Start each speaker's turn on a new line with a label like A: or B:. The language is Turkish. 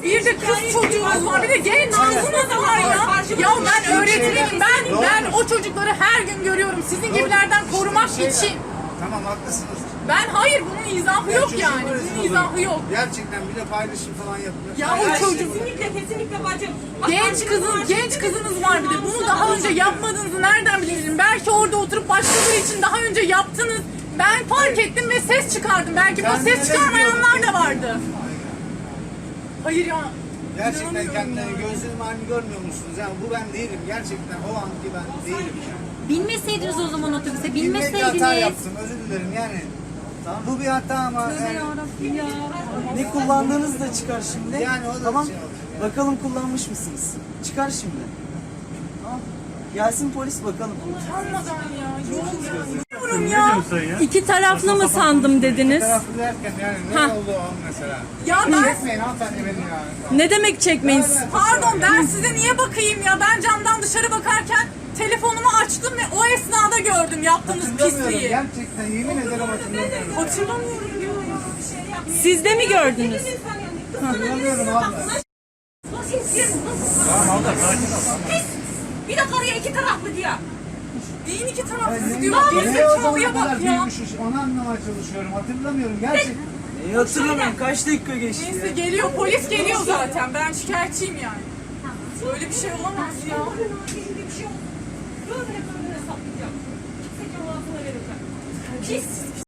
A: Bir de kız çocuğumuz var, bir de genç kızımız var ya. Ya ben öğretmenim, ben o çocukları her gün görüyorum sizin gibilerden korumak için.
B: Tamam haklısınız.
A: Hayır bunun izahı yok yani. Bunun izahı yok.
B: Gerçekten bir de paylaşım falan yapıyor.
A: Ya o çocuk
C: Kesinlikle bacım.
A: genç kızınız var bir de. Bunu daha önce yapmadığınızı nereden bilebilirim? Belki orada oturup başkaları için daha önce yaptınız. Ben fark ettim ve ses çıkardım. Belki bu ses çıkarmayanlar da vardı. Hayır ya.
B: Gerçekten
A: inanamıyorum
B: kendine
A: ya.
B: gözlerim halini görmüyor musunuz? Yani bu ben değilim. Gerçekten o anki ben değilim yani.
D: Binmeseydiniz o zaman otobüse,
B: Bilmekle hata
D: binmeseydiniz.
B: yaptım. Özür dilerim yani. Bu bir hata ama yani,
E: Ne kullandığınız da çıkar şimdi.
B: Yani o da
E: tamam.
B: şey olacak yani.
E: Bakalım kullanmış mısınız? Çıkar şimdi. Tamam. Gelsin polis bakalım.
A: Utanmadan ya. Yoruluyorum ya.
D: İki taraflı mı sandım dediniz?
B: taraflı derken yani ne oldu o an mesela?
A: Ya ben
B: Çekmeyin hanımefendi beni yani.
D: Ne demek çekmeyin?
A: pardon ben size niye bakayım ya? Ben camdan dışarı bakarken telefonumu açtım ve o esnada gördüm yaptığınız
B: Hatırlamıyorum.
A: pisliği.
B: Gerçekten yemin ederim hatırlamıyorum.
A: Hatırlamıyorum diyor ya.
D: Siz de mi gördünüz?
B: Hatırlamıyorum abla.
C: Nasıl istiyorsun? Tamam abla sakin ol. Bir de karıya iki taraflı diyor.
A: Neyin iki tarafsız
B: Ne-
A: diyor.
B: ne o zaman
A: Gerizekalıya
B: bu kadar
A: bak ya.
B: büyümüşüz, onu anlamaya çalışıyorum. Hatırlamıyorum gerçekten.
E: İyi hatırlamıyorum. Kaç dakika geçti
A: Neyse
E: ya?
A: geliyor polis geliyor zaten. Ben şikayetçiyim yani. Böyle bir şey olamaz ya.
C: Bir şey yok. Böyle saplayacağım. Seçim ağzına vereceğim. Pis.